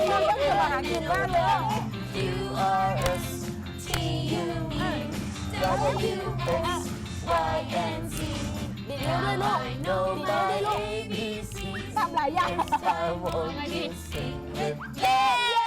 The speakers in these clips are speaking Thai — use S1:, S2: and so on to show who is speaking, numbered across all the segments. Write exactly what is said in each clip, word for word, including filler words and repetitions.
S1: ต้องทำอาหารกินบ้างเลย
S2: U R S T U V W X Y and Z
S1: ดีเร็วด้วยลูก
S2: I know
S1: ดีเร็วด้วย
S2: my
S1: ลูก
S2: A B C
S1: ทำหลายอย่าง
S2: I want to sing with
S1: เย้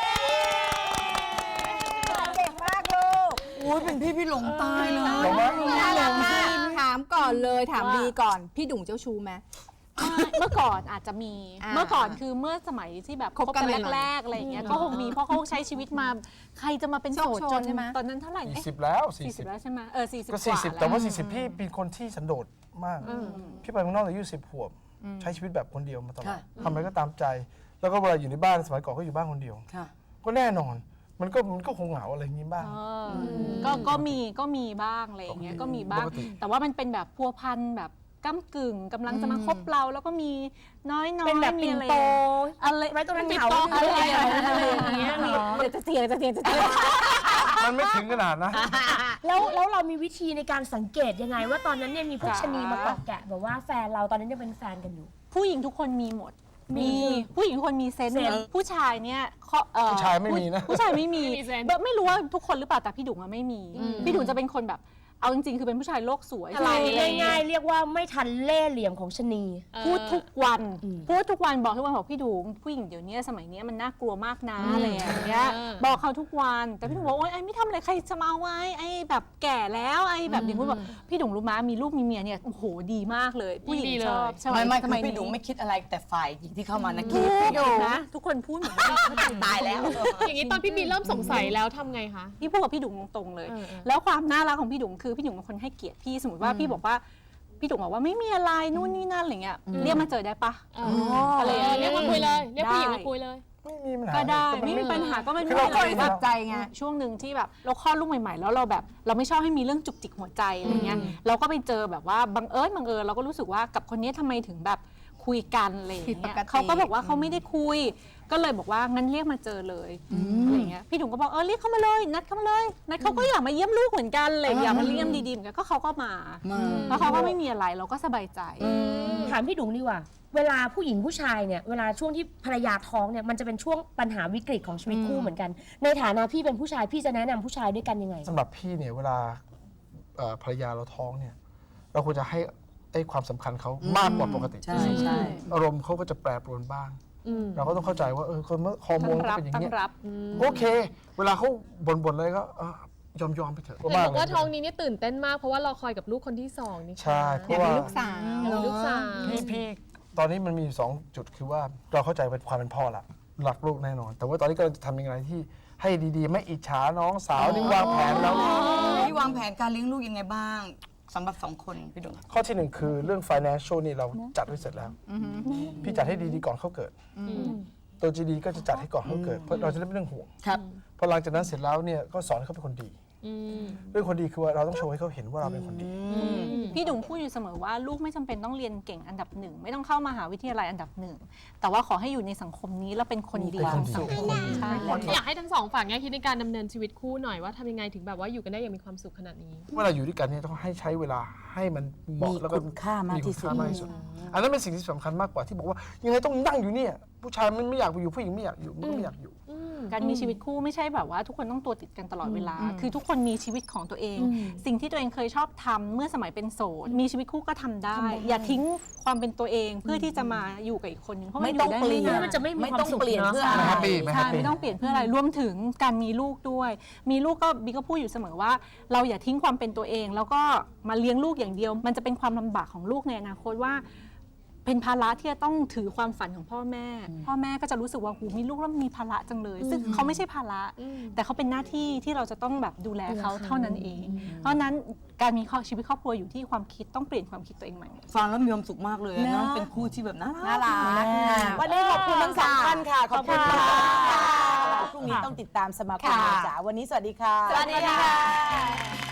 S1: เก่งมากลูก
S3: อุ้ยเป็นพี่พี่หลงตายเลย
S4: หลงไหม
S1: น่ารักมากถามก่อนเลยถามดีก่อนพี่ดุ่งเจ้าชู้ไหม
S5: เมื่อก่อนอาจจะมี
S1: อ่า
S5: เมื่อก่อนคือเมื่อสมัยที่แบบ
S1: คบกัน
S5: คบ
S1: ใหม่ๆ
S5: แรกๆอะไรอย่างเงี้ยก็คงมีเพราะเขาใช้ชีวิตมาใครจะมาเป็นโสด
S1: โชคโช
S5: จ
S1: น
S5: น
S1: ใช่ไหม
S5: ตอนนั้นเท่าไหร่
S4: สี่
S5: เอ๊ะ
S4: สิบแล้วสี่
S5: สี่สิ
S4: สิ
S5: บบ แล้วใช่ไหมเออสี่สิบ
S4: ก็
S5: ก
S4: สี่
S5: ว่า
S4: สิบ
S5: ล้
S4: แต่ว่าสี่สิบพี่เป็นคนที่สันโดษมาก พี่ไปเมืองนอกอายุสิบขวบ ใช้ชีวิตแบบคนเดียวมาตลอดทำอะไรก็ตามใจ แล้วก็เวลาอยู่ในบ้านสมัยก่อนก็อยู่บ้านคนเดียว
S3: ค่ะ
S4: ก็แน่นอน มันก็มันก็คงเหงาอะไรอย่างนี้บ้าง
S5: เอออก็ก็มีก็มีบ้างอะไรอย่างเงี้ยก็มีบ้าง
S4: ปกติ
S5: แต่ว่ามันเป็นแบบพัวพันแบบก้ำกึ่งกำลังจะมาคบเราแล้วก็มีน้อยๆ
S6: เป็นแบบ
S5: มี
S6: ปิ่น
S5: อะไร
S6: โต
S5: อะไร
S6: ไว้ตรงนั้น
S5: ปิ่
S6: เถา
S5: โตอะไรอย่างเงี้ย
S6: อะไรอย่างเงี้ยมี
S5: เดี๋ยวจะเสียงจะเสียงจะเสียง
S4: มันไม่ถึงขนาดนะ
S6: แล้วแล้วเรามีวิธีในการสังเกตยังไง ว่าตอนนั้นเนี่ยมีพวกชะนีมาเกาะแกะแบบว่าแฟนเราตอนนั้นยังเป็นแฟนกันอยู่
S5: ผู้หญิงทุกคนมีหมด มีผู้หญิงทุกคนมีเซนส์
S6: เซนส์
S5: ผู้ชายเนี่ยเขาเอ่อ
S4: ผู้ชายไม่มีนะ
S5: ผู้ชายไม่มี
S6: ไม่มีเซนส์
S5: แบบไม่รู้ว่าทุกคนหรือเปล่าแต่พี่ดุ๋งอะไม่มี พี่ดุ๋งจะเป็นคนแบบเอาจริงๆคือเป็นผู้ชายโลกสวย
S6: อะไรง่ายๆเรียกว่าไม่ทันเล่ห์เหลี่ยมของชะนี
S5: พูดทุกวัน
S6: อืม
S5: พูดทุกวันบอกทุกวันบอกพี่ดุ๋งผู้หญิงเดี๋ยวนี้สมัยนี้มันน่ากลัวมากนะอะไรอย่างเงี้ยบอกเขาทุกวันแต่พี่ดุ๋งบอกโอ๊ยไอ้ไม่ทำอะไรใครจะมาเอาไว้ไอ้แบบแก่แล้วไอ้แบบอย่างพูดบอกพี่ดุ๋งรู้มั้ยมีลูกมีเมียเนี่ยโอ้โหดีมากเลย ผู้หญิงชอบใช่ไหม
S3: ไม่ไม่
S5: ทำ
S3: คือ
S5: ไม
S3: พี่ดุงไม่คิดอะไรแต่ฝ่ายหญิงที่เข้ามานะคิ
S5: ทุ
S3: ด
S5: กคนนะทุกคนพูดเหมือนกัน
S3: ตายแล้ว
S7: อย่างนี้ตอนพี่บีเริ่มสงสัยแล้วทำไงคะ
S5: พี่พูดกับพี่ดุ๋งตรงๆเลย
S7: เออเออ
S5: แล้วความน่ารักของพี่ดุ๋งคือพี่ดุ๋งเป็นคนให้เกียรติพี่สมมติว่าพี่บอกว่าพี่ดุ๋งบอกว่าไม่มีอะไรนู่นนี่นั่นอะไรเงี้ยเรียกมาเจอได้ปะ
S7: อะไรอย่างเงี้ยเรียกมาคุยเลย เรียกผู้หญิงมาคุยเลย
S4: ไม่มีปัญหา
S5: ก็ได้
S4: ก็น
S5: ไม่มีปัญหาก็ไม่
S4: คือ
S5: มี
S4: เรา
S5: อะไร
S4: คุย
S5: แบบ
S1: ใจไง
S5: ช่วงหนึ่งที่แบบเราคลอดลูกใหม่ๆ แล้วเราแบบเราไม่ชอบให้มีเรื่องจุกจิกหัวใจอะไรเงี้ยเราก็ไปเจอแบบว่าบังเอิญบังเอิญเราก็รู้สึกว่ากับคนนี้ทำไมถึงแบบคุยกันอะไรอย่าง
S1: ผิดป
S5: เงี้ย
S1: กติ
S5: เขาก็บอกว่าเขาไม่ได้คุย ก็เลยบอกว่างั้นเรียกมาเจอเลยอะไรเงี้ยพี่ถุงก็บอกเออเรียกเขามาเลยนัดเขามาเลยนัดเขาก็อยากมาเยี่ยมลูกเหมือนกันเลยอยากมาเยี่ยมดีๆเหมือนกันก็เขาก็มา
S3: มา
S5: แล้วเขาก็ไม่มีอะไรเราก็สบายใจ
S6: ถามพี่ดุงดีกว่า เวลาผู้หญิงผู้ชายเนี่ยเวลาช่วงที่ภรรยาท้องเนี่ยมันจะเป็นช่วงปัญหาวิกฤตของชีวิตคู่เหมือนกัน ในฐานะพี่เป็นผู้ชายพี่จะแนะนำผู้ชายด้วยกันยังไง
S4: สำหรับพี่เนี่ยเวลาเอ่อภรรยาเราท้องเนี่ย เราควรจะให้ไอ้ความสำคัญเขามากกว่าปกติ
S3: ใช่ใช่
S4: อารมณ์เขาก็จะแปรปรวนบ้าง เราก็ต้องเข้าใจว่าเออคนเมื่อฮอร์โมน
S5: ตั้ง
S4: ก็
S5: รับ
S4: เป็นอย่าง
S5: ตั้ง
S4: เงี้ย
S5: รับ
S4: โอเค เวลาเขาบ่นๆอะไรก็เออยอมยอมๆไปเถอะ
S7: เห็นบอกว่าท้องนี้เนี่ยตื่นเต้นมากเพราะว่าเราคอยกับลูกคนที่สองนี่
S4: ใช่เพราะว่า
S1: ลูกสาว
S7: มีลูกสาว
S4: พี่พี่ตอนนี้มันมีอยู่สองจุดคือว่าเราเข้าใจเป็นความเป็นพ่อละรักลูกแน่นอน แต่ว่าตอนนี้ก็จะทำยังไงที่ให้ดีๆ ไม่อิจฉาน้องสาวนี่วางแผนแล้ว
S3: พี่วางแผนการเลี้ยงลูกยังไงบ้างสำหรับสองคนพี่ดุง
S4: ข้อที่หนึ่งคือเรื่อง financial นี่เราจัดไว้เสร็จแล้ว พี่จัดให้ดีๆก่อนเขาเกิด ตัวจีดีก็จะจัดให้ก่อนเขาเกิด เพื่อเราจะได้ไม่ต้องห่วง
S3: ครับ
S4: พอหลังจากนั้นเสร็จแล้วเนี่ยก็สอนให้เขาเป็นคนดี เรื่องคนดีคือว่าเราต้องโชว์ให้เขาเห็นว่าเราเป็นคนดี
S5: พี่ดุงพูดอยู่เสมอว่าลูกไม่จำเป็นต้องเรียนเก่งอันดับหนึ่งไม่ต้องเข้ามหาวิทยาลัยอันดับหนึ่งแต่ว่าขอให้อยู่ในสังคมนี้แล้วเป็นคนดี
S4: เป็น
S5: ข
S4: ค
S5: อน ง
S4: ดี
S5: สังคมใช่
S7: อยากให้ทั้งสองฝั่งเนี่ยคิดในการดำเนินชีวิตคู่หน่อยว่าทำยังไงถึงแบบว่าอยู่กันได้อย่างมีความสุขขนาดนี้
S4: เวลาอยู่ด้วยกันเนี่ยต้องให้ใช้เวลาให้มันเหมาะ
S3: มี
S4: แล้วก็
S3: คุณค่ามากที่สุด
S4: มีคุณค่ามากที่สุด อันนั้นเป็นสิ่งที่สำคัญมากกว่าที่บอกว่ายังไงต้องนั่งอยู่เนี่ยผู้ชายมันไม่อยากไปอยู่ผู้หญิงไม่อยากอยู่มันก็ไม่อยากอยู่
S5: การมีชีวิตคู่ไม่ใช่แบบว่าทุกคนต้องตัวติดกันตลอดเวลา คือทุกคนมีชีวิตของตัวเอง สิ่งที่ตัวเองเคยชอบทำเมื่อสมัยเป็นโสดมีชีวิตคู่ก็ทำได้ อย่าทิ้งความเป็นตัวเองเพื่อที่จะมาอยู่กับอีกคนนึงเพราะมัน
S3: ไม่
S5: อ
S3: ต้อง
S5: ยู่ได้
S3: เปลี่
S5: ไม่
S3: ยน
S5: นาน
S6: มันจะไม่มี
S3: ไม่
S6: ความ
S3: ต้อง
S6: สุข
S3: เปลี่ยน
S6: เนอะ
S3: เพื่อ
S4: ไม่
S3: อะไร
S4: แฮปปี้ไม่แฮ
S5: ใช่
S4: ปปี้
S5: ไม่ต้องเปลี่ยนเพื่ออะไรรวมถึงการมีลูกด้วย มีลูกก็บีก็พูดอยู่เสมอว่า เราอย่าทิ้งความเป็นตัวเอง แล้วก็มาเลี้ยงลูกอย่างเดียว มันจะเป็นความลำบากของลูกในอนาคตว่า เป็นภาระที่จะต้องถือความฝันของพ่อแม่ พ่อแม่ก็จะรู้สึกว่าหูมีลูกแล้วมีภาระจังเลย ซึ่งเขาไม่ใช่ภาระ แต่เขาเป็นหน้าที่ที่เราจะต้องแบบดูแลเขาเท่านั้นเอง เพราะฉะนั้นการมีชีวิตครอบครัวอยู่ที่ความคิดต้องเปลี่ยนความคิดตัวเองใหม่
S3: ฟังแล้วมีความสุขมากเลยอะเนอะเป็นคู่ที่แบบน่า
S1: น่า
S3: รัก
S1: รักวันนี้ขอบคุณทั้งสองท่านค่ะ ขอบคุณค่ะพรุ่งนี้ต้องติดตามสมาคมจ๋าวันนี้สวัสดีค่ะ
S6: สวัสดีค่ะ